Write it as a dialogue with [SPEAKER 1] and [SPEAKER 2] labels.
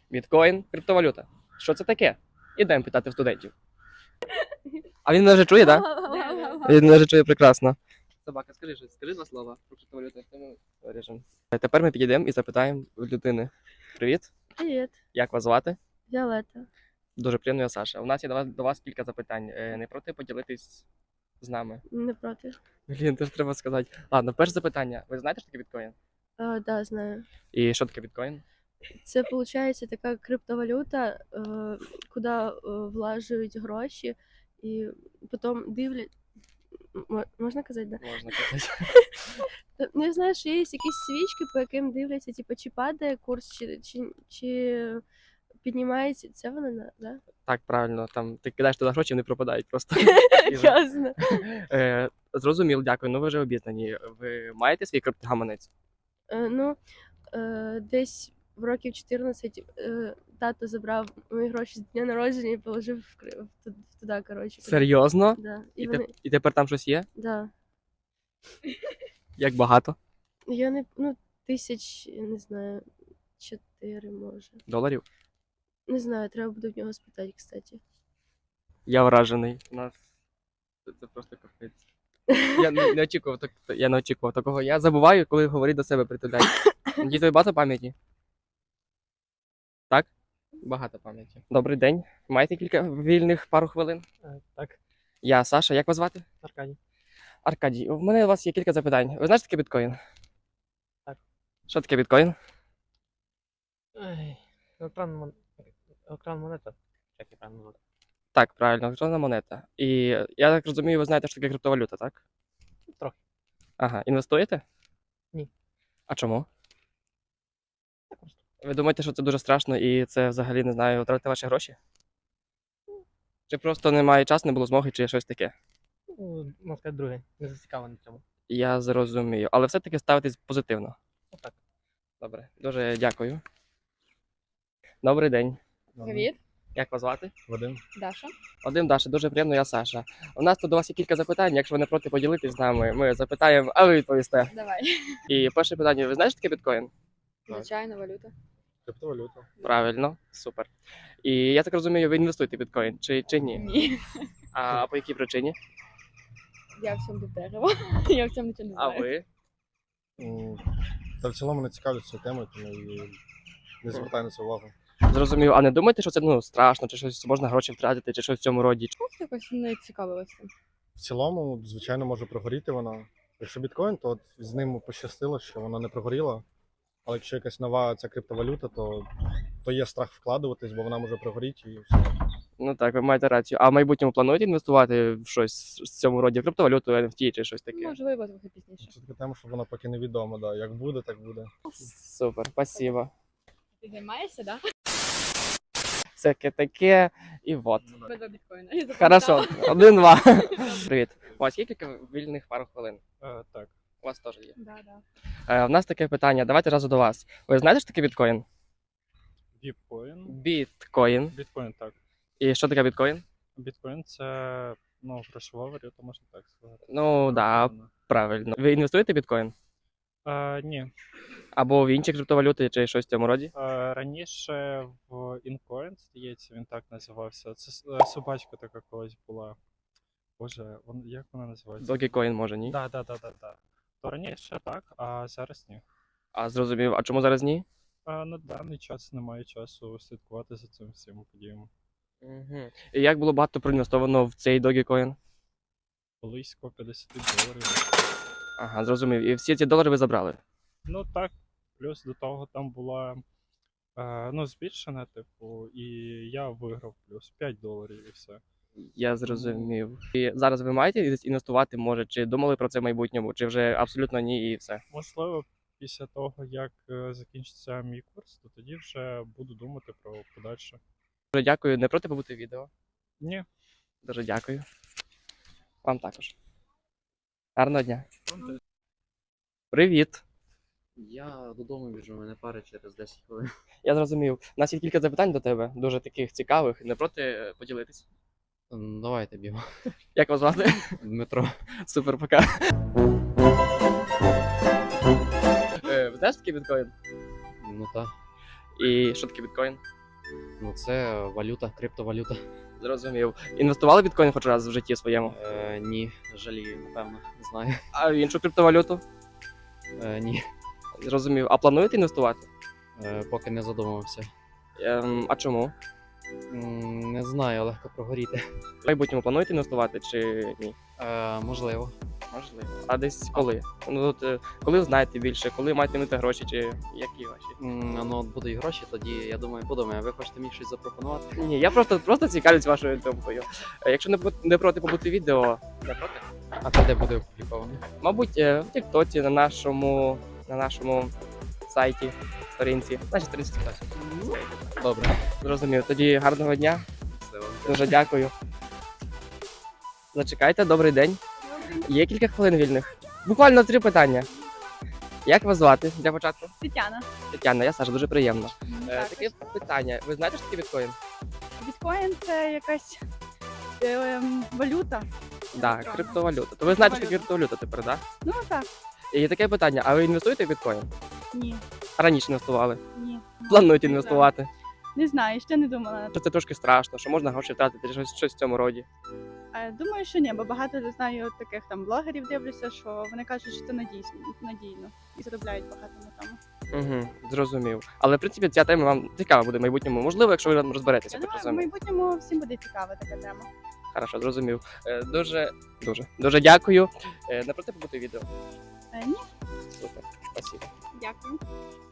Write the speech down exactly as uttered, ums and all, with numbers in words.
[SPEAKER 1] Біткоін, криптовалюта. Що це таке? Ідемо питати в студентів. А він мене вже чує, так? Да? Він мене вже чує прекрасно. Собака, скажи щось, скажи два слова про криптовалюту. Це ми вирішимо. Тепер ми підійдемо і запитаємо у людини. Привіт.
[SPEAKER 2] Привіт,
[SPEAKER 1] Як вас звати?
[SPEAKER 2] Віолетта.
[SPEAKER 1] Дуже приємно, я Саша. У нас є до вас, до вас кілька запитань. Е, Не проти поділитись з нами?
[SPEAKER 2] Не проти.
[SPEAKER 1] Блін, теж треба сказати. Ладно, перше запитання. Ви знаєте, що таке біткоін?
[SPEAKER 2] А, да, знаю.
[SPEAKER 1] І що таке біткоін?
[SPEAKER 2] Це виходить така криптовалюта, е, куди е, влажують гроші і потім дивлять. М- Можна казати, да?
[SPEAKER 1] Можна казати.
[SPEAKER 2] Та, Ну, я знаю, що є якісь свічки, по яким дивляться, типу, чи падає курс, чи, чи, чи піднімається. Це вона, да?
[SPEAKER 1] Так, правильно. Там ти кидаєш туди гроші, вони пропадають просто.
[SPEAKER 2] Ясно.
[SPEAKER 1] Е, Зрозуміло, дякую. Ну ви вже обізнані. Ви маєте свій криптогаманець?
[SPEAKER 2] Е, Ну, е, десь в років чотирнадцять е, тато забрав мої гроші з дня народження і положив в, кри- в ту- в туди, коротше.
[SPEAKER 1] Серйозно?
[SPEAKER 2] Да. І
[SPEAKER 1] І,
[SPEAKER 2] вони,
[SPEAKER 1] те- і тепер там щось є?
[SPEAKER 2] да.
[SPEAKER 1] Як багато?
[SPEAKER 2] Я не, ну, тисяч, я не знаю, чотири, може.
[SPEAKER 1] Доларів?
[SPEAKER 2] Не знаю, треба буде в нього спитати, кстати.
[SPEAKER 1] Я вражений. У нас це, це просто капець. Я не, не очікував так, я не очікував такого. Я забуваю, коли говорити до себе притуляю. Діти, багато пам'яті? Так? Багато пам'яті. Добрий день. Маєте кілька вільних пару хвилин?
[SPEAKER 3] Е, Так,
[SPEAKER 1] Я Саша, як вас звати?
[SPEAKER 3] Аркадій.
[SPEAKER 1] Аркадій, у мене у вас є кілька запитань. Ви знаєте, що таке біткоін?
[SPEAKER 3] Так.
[SPEAKER 1] Що таке біткоін?
[SPEAKER 3] Ой, екран, мон... екран монета. Як її правильно назвати?
[SPEAKER 1] Так, правильно, електронна монета. І я так розумію, ви знаєте, що таке криптовалюта, так?
[SPEAKER 3] Трохи.
[SPEAKER 1] Ага, інвестуєте?
[SPEAKER 3] Ні.
[SPEAKER 1] А чому?
[SPEAKER 3] Так просто.
[SPEAKER 1] Ви думаєте, що це дуже страшно і це взагалі, не знаю, втратити ваші гроші? Чи просто немає часу, не було змоги, чи щось таке?
[SPEAKER 3] Ну, можна сказати, друге. Не зацікавлений в цьому.
[SPEAKER 1] Я зрозумію. Але все-таки ставитесь позитивно.
[SPEAKER 3] Отак.
[SPEAKER 1] Добре, дуже дякую. Добрий день.
[SPEAKER 4] Привіт,
[SPEAKER 1] Як вас звати?
[SPEAKER 3] Вадим.
[SPEAKER 4] Даша.
[SPEAKER 1] Вадим, Даша, дуже приємно, я Саша. У нас тут до вас є кілька запитань, якщо ви не проти поділитись з нами, ми запитаємо, а ви відповісте.
[SPEAKER 4] Давай.
[SPEAKER 1] І перше питання, ви знаєте, що таке біткоін?
[SPEAKER 4] Звичайно, валюта.
[SPEAKER 3] Криптовалюта.
[SPEAKER 1] Правильно, супер. І я так розумію, ви інвестуєте в біткоін, чи, чи ні?
[SPEAKER 4] Ні.
[SPEAKER 1] А по якій причині?
[SPEAKER 4] Я в цьому дерево. Я в цьому нічого не
[SPEAKER 1] А
[SPEAKER 4] знаю.
[SPEAKER 1] ви?
[SPEAKER 5] Та в цілому не цікавлюсь цією темою, тому і не звертаю на це увагу.
[SPEAKER 1] Зрозумів, а не думаєте, що це ну, страшно, чи щось можна гроші втратити, чи щось в цьому роді?
[SPEAKER 4] Просто якось не цікавилася цим.
[SPEAKER 5] В цілому, звичайно, може прогоріти вона. Якщо біткоін, то от з ним пощастило, що вона не прогоріла. Але якщо якась нова ця криптовалюта, то, то є страх вкладуватись, бо вона може прогоріти і все.
[SPEAKER 1] Ну так, ви маєте рацію. А в майбутньому плануєте інвестувати в щось в цьому роді, в криптовалюту, ен еф ті чи щось таке?
[SPEAKER 4] Можливо, трохи пізніше.
[SPEAKER 5] Це така тема, що вона поки невідома. Да. Як буде, так буде.
[SPEAKER 1] Супер, спасибо.
[SPEAKER 4] Ти займаєшся, так?
[SPEAKER 1] Всяке таке, і вот.
[SPEAKER 4] Ми до біткоїна. Я
[SPEAKER 1] Хорошо, один-два. Привіт. У вас є кілька вільних пару хвилин?
[SPEAKER 5] Е, так.
[SPEAKER 1] У вас теж є.
[SPEAKER 4] Да, да.
[SPEAKER 1] Е, У нас таке питання, давайте разу до вас. Ви знаєте, що таке біткоін?
[SPEAKER 6] Біткоін.
[SPEAKER 1] Біткоін.
[SPEAKER 6] Біткоін, так.
[SPEAKER 1] І що таке біткоін?
[SPEAKER 6] Біткоін це ну, грошова валюта, можна так сказати.
[SPEAKER 1] Ну, да, правильно. Ви інвестуєте в біткоін?
[SPEAKER 6] А, ні.
[SPEAKER 1] Або в інші криптовалюти, чи щось в цьому роді?
[SPEAKER 6] А, раніше в Incoin, здається, він так називався. Це с- е, собачка така колись була. Боже, вон, як вона називається?
[SPEAKER 1] Dogecoin, може, ні?
[SPEAKER 6] Так, так, так, так. То раніше так, а зараз ні.
[SPEAKER 1] А зрозумів, а чому зараз ні?
[SPEAKER 6] А, на даний час немає часу слідкувати за цим всім подіями.
[SPEAKER 1] Угу. І як було багато проінвестовано в цей Dogecoin?
[SPEAKER 6] Близько п'ятдесят доларів.
[SPEAKER 1] Ага, зрозумів. І всі ці долари ви забрали?
[SPEAKER 6] Ну так, плюс до того там була е, ну, збільшена, типу, і я виграв плюс п'ять доларів і все.
[SPEAKER 1] Я зрозумів. І зараз ви маєте десь інвестувати, може, чи думали про це в майбутньому, чи вже абсолютно ні і все?
[SPEAKER 6] Можливо, після того, як е, закінчиться мій курс, то тоді вже буду думати про подальше.
[SPEAKER 1] Дуже дякую. Не проти побути відео?
[SPEAKER 6] Ні.
[SPEAKER 1] Дуже дякую. Вам також. Гарного дня. Привіт.
[SPEAKER 7] Я додому біжу, мене пара через десять хвилин.
[SPEAKER 1] Я зрозумів. У нас є кілька запитань до тебе, дуже таких цікавих. Не проти е, поділитись?
[SPEAKER 7] М, Давайте б'ємо.
[SPEAKER 1] Як вас звати?
[SPEAKER 7] Дмитро.
[SPEAKER 1] Супер, пока. Е, Ви знаєш, що таке біткоін?
[SPEAKER 7] Ну так.
[SPEAKER 1] І що таке біткоін?
[SPEAKER 7] Ну, це валюта, криптовалюта.
[SPEAKER 1] Зрозумів. Інвестували в біткоін хоч раз в житті своєму?
[SPEAKER 7] Е, ні, жалію, напевно, не знаю.
[SPEAKER 1] А в іншу криптовалюту?
[SPEAKER 7] Е, ні,
[SPEAKER 1] Зрозумів. А плануєте інвестувати?
[SPEAKER 7] е, поки не задумувався.
[SPEAKER 1] Ем, а чому?
[SPEAKER 7] М, Не знаю, легко прогоріти.
[SPEAKER 1] В майбутньому плануєте інвестувати чи ні?
[SPEAKER 7] Е, можливо.
[SPEAKER 1] Можливо. А десь коли? Ну, от, е, коли знаєте більше, коли матимете гроші, чи які ваші?
[SPEAKER 7] М, Ну, от будуть гроші, тоді, я думаю, подумаю. Ви хочете мені щось запропонувати?
[SPEAKER 1] Ні, я просто, просто цікавлюсь вашою думкою. Е, Якщо не, бу- не проти побути відео, не проти?
[SPEAKER 7] А це де буде опубліковано?
[SPEAKER 1] Мабуть, е, в Тіктоці, на нашому, на нашому сайті, сторінці. Нашій сторінці Тіктоці.
[SPEAKER 7] Добре.
[SPEAKER 1] Зрозумів. Тоді гарного дня.
[SPEAKER 7] Все.
[SPEAKER 1] Дуже дякую. Зачекайте, добрий день. Є кілька хвилин вільних. Буквально три питання. Як вас звати для початку?
[SPEAKER 4] Тетяна.
[SPEAKER 1] Тетяна, я Саша, дуже приємно. Е,
[SPEAKER 4] Так,
[SPEAKER 1] таке питання. Ви знаєте, що таке біткоін?
[SPEAKER 4] біткоін це якась ем, валюта.
[SPEAKER 1] Так,
[SPEAKER 4] Електронна.
[SPEAKER 1] криптовалюта. То ви знаєте, що таке
[SPEAKER 4] Криптовалюта.
[SPEAKER 1] криптовалюта тепер, так?
[SPEAKER 4] Ну так,
[SPEAKER 1] І таке питання, а ви інвестуєте в біткоін?
[SPEAKER 4] ні,
[SPEAKER 1] Раніше інвестували.
[SPEAKER 4] ні.
[SPEAKER 1] Плануєте
[SPEAKER 4] Не
[SPEAKER 1] інвестувати?
[SPEAKER 4] знаю. Не знаю, ще не думала.
[SPEAKER 1] Що це трошки страшно, що можна гроші втратити, чи щось, щось в цьому роді.
[SPEAKER 4] Е, Думаю, що ні, бо багато знаю таких там блогерів дивлюся, що вони кажуть, що це надійсно, надійно і заробляють багато на тому.
[SPEAKER 1] Угу, зрозумів. Але в принципі ця тема вам цікава буде в майбутньому. Можливо, якщо ви розберетеся,
[SPEAKER 4] Я
[SPEAKER 1] так
[SPEAKER 4] думаю, в
[SPEAKER 1] розумію.
[SPEAKER 4] майбутньому всім буде цікава така тема.
[SPEAKER 1] Хорошо, зрозумів. Е, Дуже, дуже, дуже дякую. Е, Не проти побути відео.
[SPEAKER 4] Е, Ні,
[SPEAKER 1] Супер, спасибо.
[SPEAKER 4] дякую.